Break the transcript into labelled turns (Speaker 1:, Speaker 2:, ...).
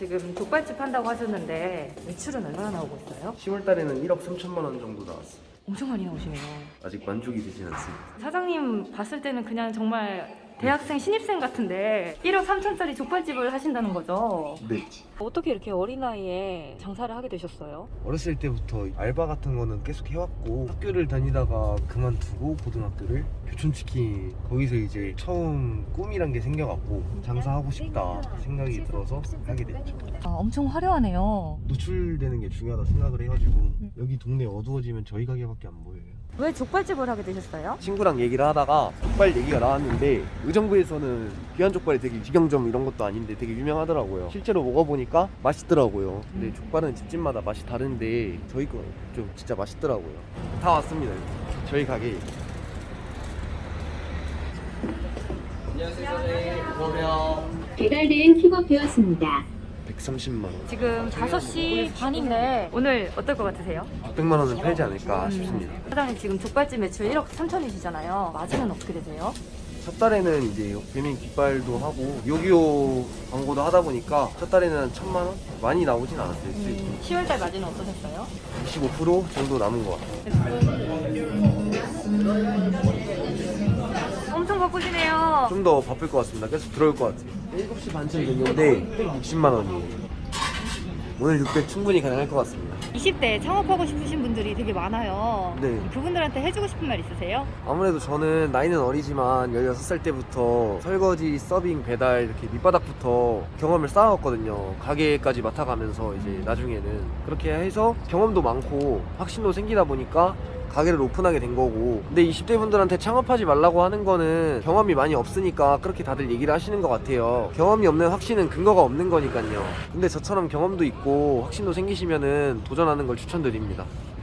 Speaker 1: 지금 족발집 한다고 하셨는데 매출은 얼마나 나오고 있어요?
Speaker 2: 10월 달에는 1억 3천만 원 정도 나왔어.
Speaker 1: 엄청 많이 나오시네요.
Speaker 2: 아직 만족이 되진 않습니다.
Speaker 1: 사장님 봤을 때는 그냥 정말 대학생 신입생 같은데 1억 3천짜리 족발집을 하신다는 거죠?
Speaker 2: 네.
Speaker 1: 어떻게 이렇게 어린 나이에 장사를 하게 되셨어요?
Speaker 2: 어렸을 때부터 알바 같은 거는 계속 해왔고, 학교를 다니다가 그만두고 고등학교를 교촌치킨 거기서 이제 처음 꿈이란 게 생겨갖고 장사하고 싶다 생각이 들어서 하게 됐죠.
Speaker 1: 엄청 화려하네요.
Speaker 2: 노출되는 게 중요하다 생각을 해가지고 여기 동네 어두워지면 저희 가게밖에 안 보여요.
Speaker 1: 왜 족발집을 하게 되셨어요?
Speaker 2: 친구랑 얘기를 하다가 족발 얘기가 나왔는데 의정부에서는 귀한 족발이 되게 직영점 이런 것도 아닌데 되게 유명하더라고요. 실제로 먹어보니까 맛있더라고요. 근데 족발은 집집마다 맛이 다른데 저희 거 좀 진짜 맛있더라고요. 다 왔습니다. 저희 가게. 안녕하세요 선생님. 안녕하세요.
Speaker 3: 배달된 픽업되었습니다.
Speaker 2: 130만 원.
Speaker 1: 지금 5시 반인데 오늘 어떨 것 같으세요?
Speaker 2: 600만 원은 팔지 않을까 싶습니다.
Speaker 1: 사장님 지금 족발집 매출 1억 3천이시잖아요. 마진은 어떻게 되세요?
Speaker 2: 첫 달에는 이제 배민 깃발도 하고 요기요 광고도 하다 보니까 첫 달에는 한 1,000만 원? 많이 나오진 않았어요. 수익이.
Speaker 1: 10월달 마진은 어떠셨어요?
Speaker 2: 25% 정도 남은 것 같아요.
Speaker 1: 엄청 바쁘시네요.
Speaker 2: 좀 더 바쁠 것 같습니다. 계속 들어올 것 같아요. 7시 반쯤 됐는데 60만 원이에요. 오늘 600 충분히 가능할 것 같습니다.
Speaker 1: 20대 창업하고 싶으신 분들이 되게 많아요.
Speaker 2: 네.
Speaker 1: 그분들한테 해주고 싶은 말 있으세요?
Speaker 2: 아무래도 저는 나이는 어리지만 16살 때부터 설거지, 서빙, 배달 이렇게 밑바닥부터 경험을 쌓아왔거든요. 가게까지 맡아가면서 이제 나중에는 그렇게 해서 경험도 많고 확신도 생기다 보니까 가게를 오픈하게 된 거고, 근데 20대 분들한테 창업하지 말라고 하는 거는 경험이 많이 없으니까 그렇게 다들 얘기를 하시는 것 같아요. 경험이 없는 확신은 근거가 없는 거니까요. 근데 저처럼 경험도 있고 확신도 생기시면은 도전하는 걸 추천드립니다.